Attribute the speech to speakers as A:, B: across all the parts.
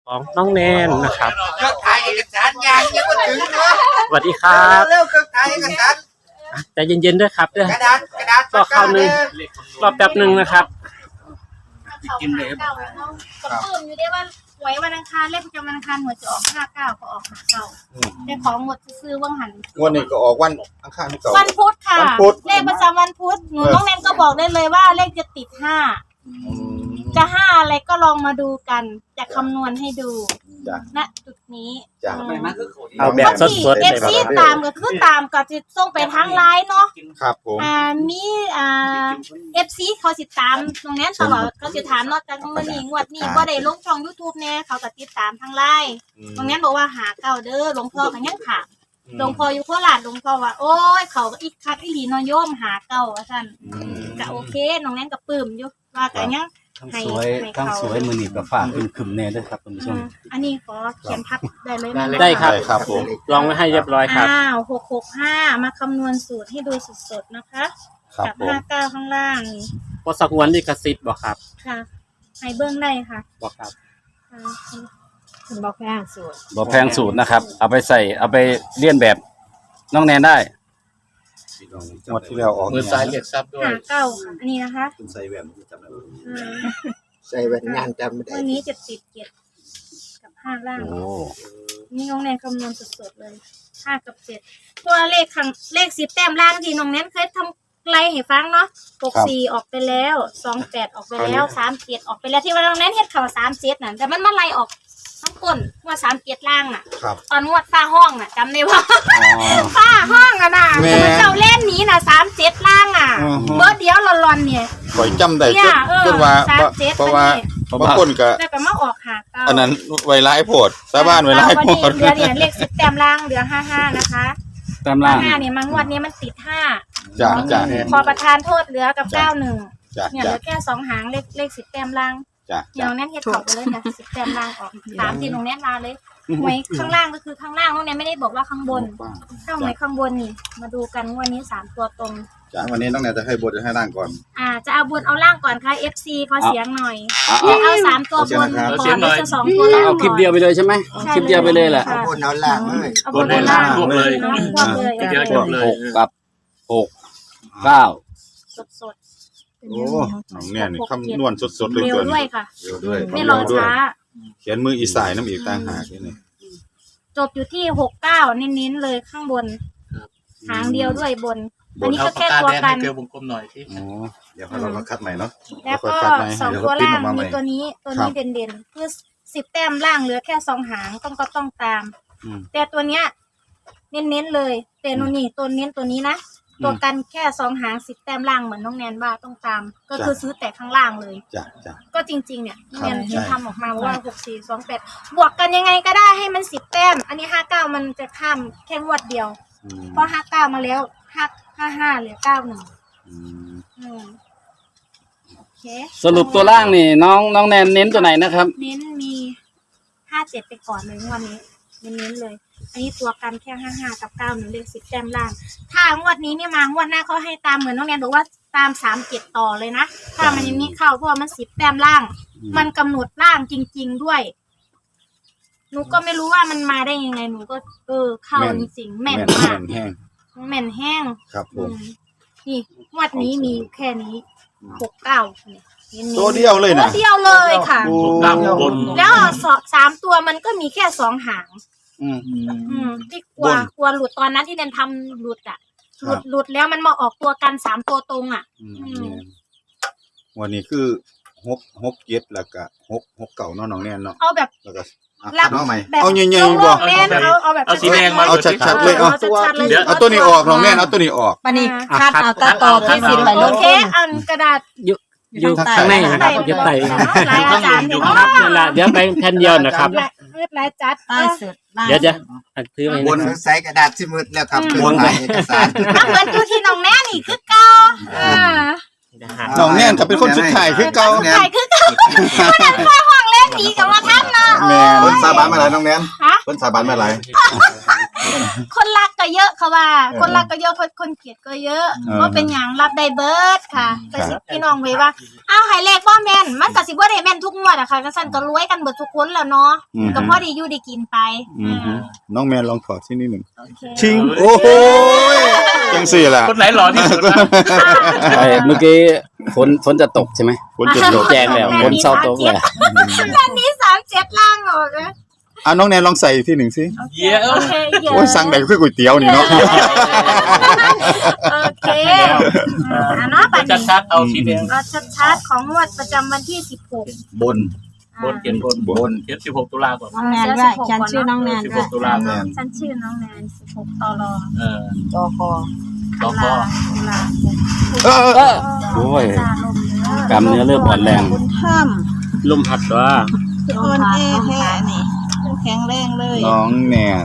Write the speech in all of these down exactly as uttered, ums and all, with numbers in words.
A: ของน้องแนนนะครับ
B: เครื่องถ่ายเอกสารยังยังไม่ถึงเนาะ
A: สวัสดีครับ
B: เร็วเครื่องถ่ายเอกสาร
A: ใจเย็นๆด้วยครับเด้อก
B: ระดาษกระดาษ
A: รอข้าวหนึ่งรอแป๊บหนึ่งนะครับ
C: กินเลยครับกับปื้มอยู่ได้ว่าหวยวันอังคารเลขประจำวันอังคารหวยจะออกห้าเก้าก็ออกห้าเก้าแต่ของหมดซื้อว่างหัน
D: วันนี้ก็ออกวันอังคารที่เก่า
C: วันพุธค่ะ
D: วันพุธ
C: เลขประจำวันพุธหนูน้องแนนก็บอกได้เลยว่าเลขจะติดห้าจะห้าอะไรก็ลองมาดูกันจะคำนวณให้ดูณจุดนี้
D: จ้ะ
A: เอาแบบสดๆ
C: เอฟซีตามก็คือตามก็จะส่งไปทางไลน์เนาะ
D: ครับผม
C: อ่ามีอ่าเอฟซีเขาติดตามตรงนี้ตลอดเขาจะถามนอกจากมื่อนี้งวดนี้ก็ได้ลงช่อง YouTube แน่เขาก็ติดตามทางไลน์ตรงนี้บอกว่าหาเก่าเด้อหลวงพ่อกันยังถามหลวงพ่ออยู่โคราชหลวงพ่อว่าโอ้ยเขาอีกคักอีหลีนอยโยมหาเก่าว่าซั่นก็โอเคน้องแนนก็ปลื้มอยู่ว่าก็ยัง
E: ทั้งสวยทั้งสวยมือหนีบกับฝากขึ้นขึ้นแน่ด้วยครับคุณผู้ชม
C: อันนี้ขอเขียนทับได้เลยนะ
A: ได้ครับ
D: ครับผม
A: ลองไว้ให้เรียบร้อยครับ
C: อ้าวหกหกห้ามาคำนวณสูตรให้ดูสดๆนะคะกับห้าเก้าข้างล่างนี่
A: พอสักวันนี่กระซิบบอกครับ
C: ค่ะให้เบื้องได้ค่ะ
A: บอกครับ
C: บอกแพงสูตร
E: บอกแพงสูตรนะครับเอาไปใส่เอาไปเลียนแบบน้องแนนได้
D: หมดที่แล้วออก
A: มือซ้ายเรียกซับด้วย
C: ห้าเก้าค่ะอันนี้นะคะ
D: คุณใส่แหวนจำได้
B: ใส่แว่นงานจำไม่ได้
C: วันนี้จะติดเจ็ดกับห้าล่างนี่น้องแนนคำนวณสดๆเลยห้ากับเจ็ดตัวเลขข้างเลขสิบแต้มล่างที่น้องแนนเคยทำไล่ให้ฟังเนาะหกสี่ออกไปแล้วสองแปดออกไปแล้วสามเจ็ดออกไปแล้วที่ว่าน้องแนนเฮ็ดข่าวสามเจ็ดน่ะแต่มันมาไล่ออกทั้งก้นว่าสามเจ็ดล่างอ่ะตอนงวดฟ้าห้องอ่ะจำได้ว่าฟ้าห้องอ่ะน่ะมันเจ้าเล่นนี้น่ะสามเจ็ดล่างอ่ะเบอร์เดียวหลอนๆเนี่ย
D: ข่อยจำได้จนว่าเพราะว่าบางคนก็
C: แล้วก็มาออกหาเก้า
D: อันนั้นไวไลฟ์โพดชาวบ้านไวไลฟ์โพด
C: เหลือเนี่ยเลขสิบแต้มล่างเหลือห้าห้านะคะ
E: แต้มล่าง
C: ห้าเนี่ยมันงวดนี้มันติดห้า
D: จ้ะจ้ะ
C: พอประทานโทษเหลือกับเก้าหนึ่งเนี่ยเหลือแค่สองหางเลขเลขสิบแต้มล่างเนี่ยน้องแนนเฮ็ดเขาไปเลยนะสิบแต้มล่างออกสามทีน้องแนนมาเลยหวยข้างล่างก็คือข้างล่างน้องแนนไม่ได้บอกว่าข้างบนถ้าหวยข้างบนนี่มาดูกันวันนี้สามตัวตรง
D: จ้ะวันนี้น้องแนนจะให้บนจะให้ล่างก่อน
C: อ่าจะเอาบนเอาล่างก่อนค่ะ เอฟ ซี ขอเสียงหน่อยเอาสามตัวบนก่อนหรือจะสองตัวล่าง
E: เอาคลิปเดียวไปเลยใช่ไหมคลิปเดียวไปเลยแหละ
B: เอาบนเอาล่างเลย
C: เอาบนเอาล่าง
A: รวบเลย
C: เดียว
A: จบเลย
E: หกกับหกเก้า
C: สด
D: โอ้น้องแนนนี่คำนวณสดๆเลย
C: เกินด้วยค่ะไม่รอช้า
D: เขียนมืออีสายน้ำอีกต่างหากนี่
C: จบอยู่ที่หกเก้าเน้นๆเลยข้างบนหางเดียวด้วยบนอันนี้ก็แค่ตัวกัน
A: เกลียววงกลมหน่อยที่
D: เดี๋ยวเรามาคัดใหม่เนาะ
C: แล้วก็สองตัวล่างมีตัวนี้ตัวนี้เด่นๆคือสิบแต้มล่างเหลือแค่สองหางต้องก็ต้องตามแต่ตัวเนี้ยเน้นๆเลยแต่โนนี่ตัวเน้นตัวนี้นะตัวกันแค่สองหางสิบแต้มล่างเหมือนน้องแนนบ้าต้องตามก็คือซื้อแต่ข้างล่างเลย
D: จ้ะจ้ะ
C: ก็จริงๆเนี่ยแนนทำออกมาว่าหกสี่สองแปดบวกกันยังไงก็ได้ให้มันสิบแต้มอันนี้ห้าเก้ามันจะข้ามแค่งวดเดียวเพราะห้าเก้ามาแล้วห้าห้าห้าเหลือเก้าหนึ่งโอเค
E: สรุปตัวล่างนี่น้องน้องแนนเน้นตัวไหนนะครับ
C: เน้นมีห้าเจ็ดไปก่อนเลยวันนี้เน้นเลยอันนี้ตัวกันแค่ห้าห้ากับเก้าหนึ่งเลขสิบแต้มล่างถ้างวดนี้เนี่ยมางวดหน้าเขาให้ตามเหมือนน้องแนนบอกว่าตามสามเจ็ดต่อเลยนะถ้ามันยังนี้เข้าเพราะมันสิบแต้มล่างมันกำหนดล่างจริงๆด้วยหนูก็ไม่รู้ว่ามันมาได้ยังไงหนูก็เออเข้าจริงๆแม่นมากแม่นแห้ง
D: ครับผม
C: นี่งวดนี้มีแค่นี้หกเก้า
D: ตัวเดียวเลยนะ
C: ตัวเดียวเลยค่ะแล้วสามตัวมันก็มีแค่สองหางอืมอืมที่กลัวกลัวหลุดตอนนั้นที่เดนทำหลุดอ่ะหลุดหลุดแล้วมันมาออกตัวกันสามตัวตรงอ่ะ
D: วันนี้คือหกหกเจ็ดแล้วก็หกหกเก่าน้องแนนเนาะ
C: เอาแบบ
D: แล้วก็เอาใหม่เอาใหญ่ๆ
C: บ่
A: เอาเอาแบบเอาสีแดงมา
D: เอาชัดๆเลยเอาเอาตัวนี้ออกน้องแนนเอาตัวนี้ออก
F: ปนี่คัดเอาตาต่อที่สิบไปลง
C: โอเคอันกระดาษ
A: อยู่ข้างในนะครับอยู่ใต้อยู่ครับนั่นแหละเดี๋ยวไปแผ่นเดียวนะครับ
C: เรียบร้อยจัด
A: เดี๋ยวจะถือไป
B: บนใส่กระดาษที่มืดแล้วครับบนเอกสาร
C: เหมือนดูที่น้องแน่นี่คือเก่า
D: น้องแนนก็เป็นคนสุดท้ายคือเก่า
C: สุดท้ายคือเก่าคนนั้นคอยห่วงเล่นหนีกับว่าท่านเนาะ
D: แม่คนสาบานมาหลายน้องแนนคนสาบานมาหลาย
C: คนรักก็เยอะค่ะว่า คนรักก็เยอะคนคนเกลียดก็เยอะว่าเป็นอย่างรับได้เบิร์ดค่ะแต่พี่น้องไว้ว่าอ้าวไฮเลขบ่แม่นมันก็สิบ่ได้แม่นทุกงวดอะค่ะก็สั่นก็รวยกันเบิดทุกคนแล้วเนาะก็พอได้อยู่ได้กินไป
D: น้องแมนลองถอดที่นี่หนึ่ง
C: โอเค
D: ชิงโอ้โหจังสี่ล่ะ
A: คนไหนหล่อที่สุดนะ
E: ไอ้เมื่อกี้ฝนฝนจะตกใช่ไหม
D: ฝนจะตก
E: แจ้งแล้วฝนเศร้าตกแล้ว
C: อันนี้สามเจ็ดล่างออกนะ
D: อ่ะน้องแนนลองใส่ที่หนึ่งสิ
A: เยอะ
C: โอเคเยอะ
D: โอ้ยสั่งแดกคือก๋วยเตี๋ยวนี่เนาะ
C: โอเคอ่าเนาะปัน
A: จะ
C: นี้
A: ชัดเอาสีแดง
C: เราชัดๆของงวดประจำวันที่สิบหก
D: บน
A: บนเขียนบนบนเขียนสิบหกตุลาก่อน
F: น้องแนนด้วยฉันชื่อน้องแนน
A: สิบ
F: ด้
A: ห
F: วย
A: กตุลาก่อน
C: ฉันชื่อน้องแนนสิบหกตลอ
A: เออ
F: จอคอ
A: ต่อ
C: ตุ
A: พ่อ
C: ลาตุลา
D: เออเออ
E: โอ้ย
C: จ้าลมเยอะ
E: กำเนื้อเริ่มอ่อนแรง
F: บุญถ้
A: ลมพัดว่า
F: ำคืออ่อนแอแท้นี่แข็งแรงเลย
D: น้องแนน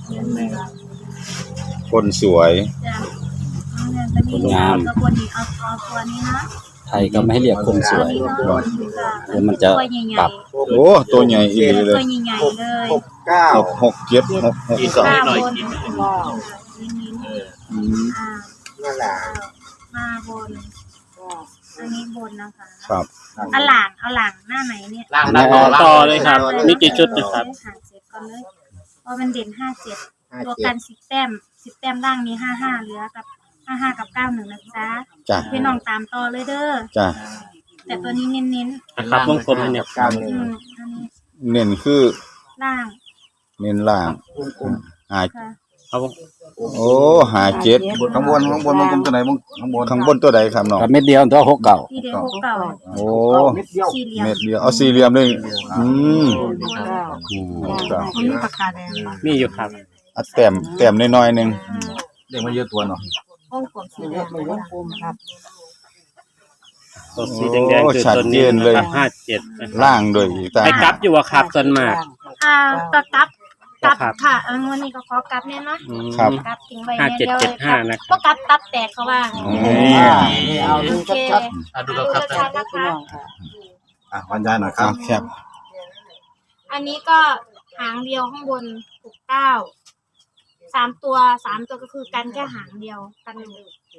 D: คนสวย
C: จ้ะน้องแนนตอนนี้เอาตัวบนนี้เอาเอาตัวนี้นะ
E: ไทยก็ไม่ให้เรียกคนสวย
C: ตัวนี้เนาะ
E: เดี๋ยวมันจะ
C: ตัวใหญ่
E: ปรับ
C: ๆ
D: โอ้ตัวใหญ่อีหลีเล
C: ตัวย ใหญ่ๆเลย
B: หกเก้า
D: หกหกเจ็ดหกหก
A: อีก
D: สอง
A: นิดหน่อย
C: บน
A: อีกนิดหน่อย
F: ว้าว
C: นิ้น
A: เออ
D: อืม
C: ๆอ่า
B: นั่นแหละ
C: มาบน อันนี้บนนะคะ
D: ครับ
C: เอาหลังเอาหลังหน้าไหนเนี่ย
A: ล่างหน้าต่อต่อเลยครับมีกี่ชุดนะครับ
C: หาเจ็ดก่อนเลยเพราะมันเด่นห้าเจ็ด
B: ห้า
C: ตัว
B: เจ็
C: กั
B: ด
C: นสิบแต้มสิบแต้มล่างมีห้าห้าเหลือกับห้าห้ากับเก้าหนึ่งนะจ๊ะ
D: จ้ะ
C: พี่น้องตามต่อเลยเด้อ
D: จ้ะ
C: แต่ตัวนี้เน้น
A: นะครับวงกลมให้เนี่ย
B: เก้า
C: ๆ
B: หนึ่
C: อื
B: ง
C: มอันนี้
D: เน้นคือ
C: ล่าง
D: เน้นล่างหา
C: ค่ะ
A: เอา
D: โอ้หาเจ็ด
G: ข้างบนข้างบนมันกลมตัวไหนบ้างข้างบน
D: ข้างบนตัวใดครับน้อง
E: กับเม็ดเดียวตัวหกเก่า
C: ที่เดียวหกเก่า
D: โอ้
B: เม็ดเดียว
C: สี่เหลี่ยม
D: เม็ดเดียวเอาสี่เหลี่ยมเลยอืม
F: เก้า
D: อืมจ้ะ
F: อันนี้ปากกาแดง
A: มีอยู่ครับ
D: อ่ะแต้มแต้มน้อยๆหนึง
C: อืม
G: เด็กมันเยอะตัวเนาะ
F: วงกลมสีแดงวงกลมครับ
A: ตัวสีแดงๆคือตัวนี้นะครับห้าเจ็ด
D: ล่างด้วยอีกตา
A: ไปกลับอยู่ว่าครับส่วนมาก
C: อ่าก็กลับกลับ
A: ครับ
C: ค่ะอันวันนี้ก็ขอกลับเนี่ยนะ
A: อืม
D: ครับ
C: กลับทิ้งไว้
A: ห้า
C: เนี่ย
A: เจ็ด
C: เดียว
A: เจ็ด
C: เลย
A: ห้านะครับ
C: ก็กลับตับแตกเขาว่า
D: นี่
B: เอาดู
C: โอเค
B: ชัด
A: อ่ะดู
C: ดู
A: ครับ
C: ชัดๆนะคะ
G: อ่ะบรรยายหน่อยค
D: อ่ะ
G: รับ
D: แคบ
C: อันนี้ก็หางเดียวข้างบนหกเก้าสามตัวสามตัวก็คือกันแค่หางเดียวกันหนึ่ง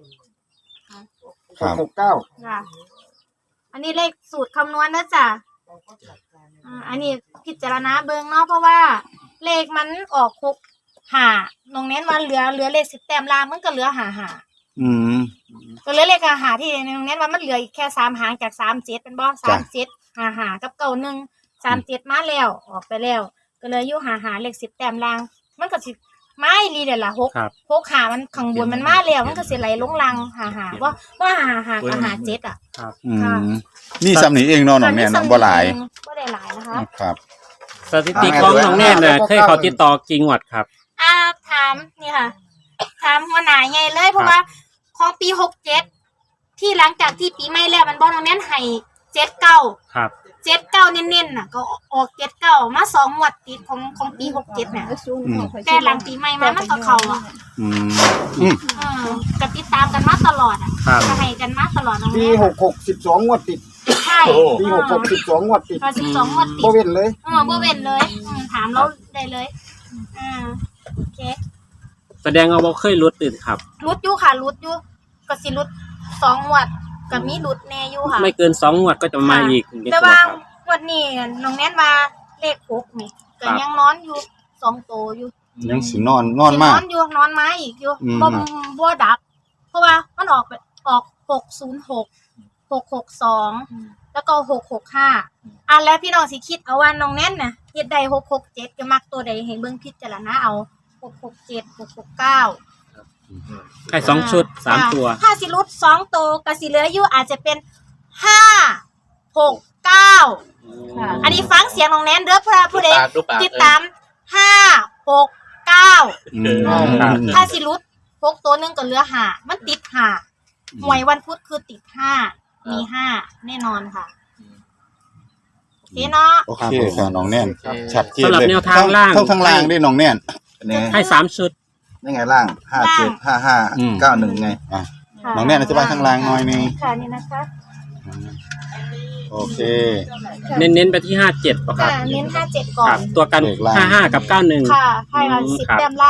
D: ครับ
B: ๆหกเก้า
C: ค่ะ อันนี้เลขสูตรคำนวณนะจ๊ะอ่าอันนี้พิจารณาเบิงเนาะเพราะว่า เลขมันออกหกหาตรงเน้นมันเหลือเหลือเลขสิบแต้มลางมันก็เหลือหาหา
D: อืม
C: ก็เหลือเลขหาหาที่ตรงเน้นว่ามันเหลืออีกแค่สามหางจากสามเจ็ดเป็นบ่สามเจ็ดหาหากับเก่าหนึ่งสามเจ็ดมาแล้วออกไปแล้ว ก็เลยอยู่หาหาเลขสิบแต้มลาง มันก็สิไม่รีเดี๋ยวละหก
A: ครับ
C: หกหามันข้างบนมันมาแล้วมันก็สิไหลลงลังหาหาว่าว่าหาหากับหาเจ็ดอ่ะ
D: อืมนี่ซ้ำนี่เองเนาะน้องแนนเนาะบ่หลาย
C: บ่ได้หลายนะคะ
D: ครับ
A: สถิติของน้องแน่นน่ะเคยเขาติดต่อกี่งวดครับ
C: อ่าถามนี่ค่ะ ถามหัวหน้าใหญ่เลยเพราะว่าของปีหกเจ็ดที่หลังจากที่ปีใหม่แล้วมันบ่ตรงนั้นให้เจ็ดเก้า
A: ครับ
C: เจ็ดเก้าเน้นๆน่ะก็ออกเจ็ดเก้ามาสองงวดติดของของปีหกเจ็ดเนี่ยแต่หลังปีใหม่มามันก็เข้าอ่ะ
D: อืมอืม
C: เออก็ติดตามกันมาตลอดอ่ะ
A: ครับ
C: ก็ให้กันมาตลอดตรง
B: ปี
C: นี้
B: หกหกสิบสองงวดติด
C: ใช่
B: ปีหกหกสิบสองงวดติด
C: ก็สิบสองงวดติ
B: บ่
C: ด
B: เว้นเลย
C: เออบ่เว้นเลยอืมถามเราได้เลยอ่าโอเค
A: แสดงว่าบ่เคยรุดตื่นครับ
C: รุดอยู่ค่ะรุดอยู่ก็สิรุดสองงวดก็มีรุดแน่อยู่ค่ะ
A: ไม่เกินสองงวดก็จะมาอีก
C: แต่ว่างวดนี้น้องแนนว่าเลขหกนี่ก็ยังนอนอยู่สองโตอยู่
D: ยังสินอนนอนมาก
C: นอนอยู่นอนมาอีกอยู่
D: อืม
C: บ่บ่ดับ เพราะว่ามันออกไปออกหกศูนย์หก หกหกสองแล้วก็หกหกห้าอ่ะแล้วพี่น้องสิคิดเอาว่าน้องแนนน่ะเฮ็ดได้หกหกเจ็ดจะมักตัวใดให้เบิ่งพิจารณาเอาหกหกเจ็ด หกหกเก้า
A: ให้สองชุดสามตัว
C: ถ้าสิรุดสองตัวก็สิเหลืออยู่อาจจะเป็นห้าหกเก้าอันนี้ฟังเสียงน้องแนนเด้อเพื่อผู้ใดติดตามห้าหกเก้า
D: อืม
C: ถ้าสิรุดหกตัวหนึงก็เหลือห้ามันติดห้าหวยวันพุธคือติดห้ามีห้าแน่นอนค่ะโอเคเนาะ
D: โอเคค่ะน้องแน่นชัดเจน
A: สำหรับ
D: เลย
A: แนวทางล่าง
D: ทั้งทั้งล่างด้วยน้องแน่น
G: อันนี้
A: ให้สามชุด
G: นี่ไงล่างห้าเจ็ดห้าห้า
D: อืม
G: เก้าหนึ่งไง
D: อ่ะน้องแน่นอธิบายข้างล่างหน่อยนึง
C: ค่ะนี่นะคะ
D: โอเค
A: เน้นๆไปที่ห้าเจ็ดป่ะค
C: ค่ะ
A: รับ
C: เน้นห้าเจ็ดก่อ
A: ครั
C: น
A: บ ตัวกัน
D: เลขล่าง
A: ห้าห้ากับเก้าหนึ่ง
C: ค่ะให้มา
A: อืม
C: สิบ
A: ครับ
C: แต้มล่าง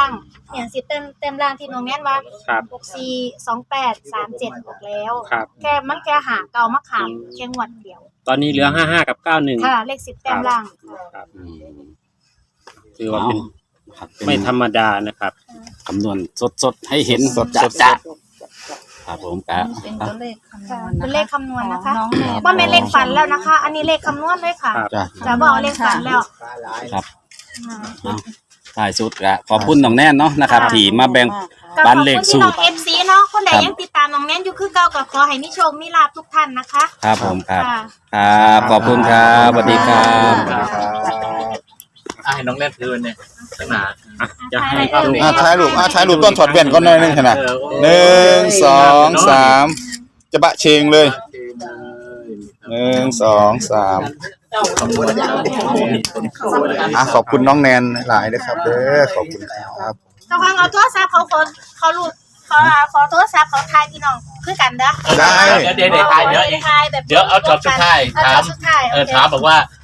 C: เนี่ยสิบเต็มเต็มล่างที่น้องแน่นว่า
A: ครับ
C: หกสี่สองแปดสามเจ็ดออกแล้ว
A: ครับ
C: แค่มันแค่หาเก่ามะขามแค่งวดเดียว
A: ตอนนี้เหลือห้าห้ากับเก้าหนึ่ง
C: ค่ะเลขสิบแต้มล่างค่ะ
E: อืม
A: ถือว่าเป็น
E: ครับ
A: ไม่ธรรมดานะครับ
E: คำนวณสดๆให้เห็นสดๆครับผมกะ
F: เป็นตัวเลขคำน
C: ค่ะ
F: วณ
C: เป็นเลขคำนวณนะคะ
F: น้องแนน
C: ว่าเป็นเลขฝันแล้วนะคะ อันนี้เลขคำนวณเลยค่ะ
A: ครับ
E: จ้ะ
C: จะบอกเลขฝันแล้ว
E: ครับ
C: อ่า
E: เอาท้ายสุดกะขอบคุณน้องแน่นเนาะนะครับ
C: ค่ะ
E: ที่มาแบ่ง
C: ก็
E: บ้าน
C: ขอบ
E: เลข
C: คุณ
E: สู
C: ที่น้
E: ต
C: อ
E: ร
C: งเอฟซีเนาะคนใด
E: ครับ
C: ยังติดตามน้องแน่นอยู่คือเก่าก็ขอให้มีโชคมีลาภทุกท่านนะคะ
E: ครับผมครับ
C: ค่ะ
E: ครับขอบคุณครับสวัสดีครับ
H: อ่ะให้น้องเล่นคืนเนี่ยตั้งนาน
A: อ่ะจะให้
C: อ่ะ
G: อ่ะถ่ายรูปอ่ะถ่ายรูปต้นถอดแว่นก่อนหน่อยหนึงขนาด
H: เออโอ้
G: หนึ่งสองสามจะบะเชงเลยหนึ่งสองสาม
H: ขอบคุณครับ
G: อ่ะขอบคุณน้องแนนหลายนะครับเด้อขอบคุณครับ
C: เขาฟังเอาโทรศัพท์เขาขอเขารูดขอขอโทรศัพท์เขาทายพี่น้องคือกันเด้อ
G: ได้
H: เดี๋ยวเดี๋ยวเดี๋ยวถ่ายเดี๋ยว
C: ทายแบบ
H: เดี๋ยวเอาช็อตสุดท้าย
C: เอา
H: ถา
C: ช็อ
H: ม
C: ตสุดท้าย
H: เออ
C: โค
H: ถามบอกว่า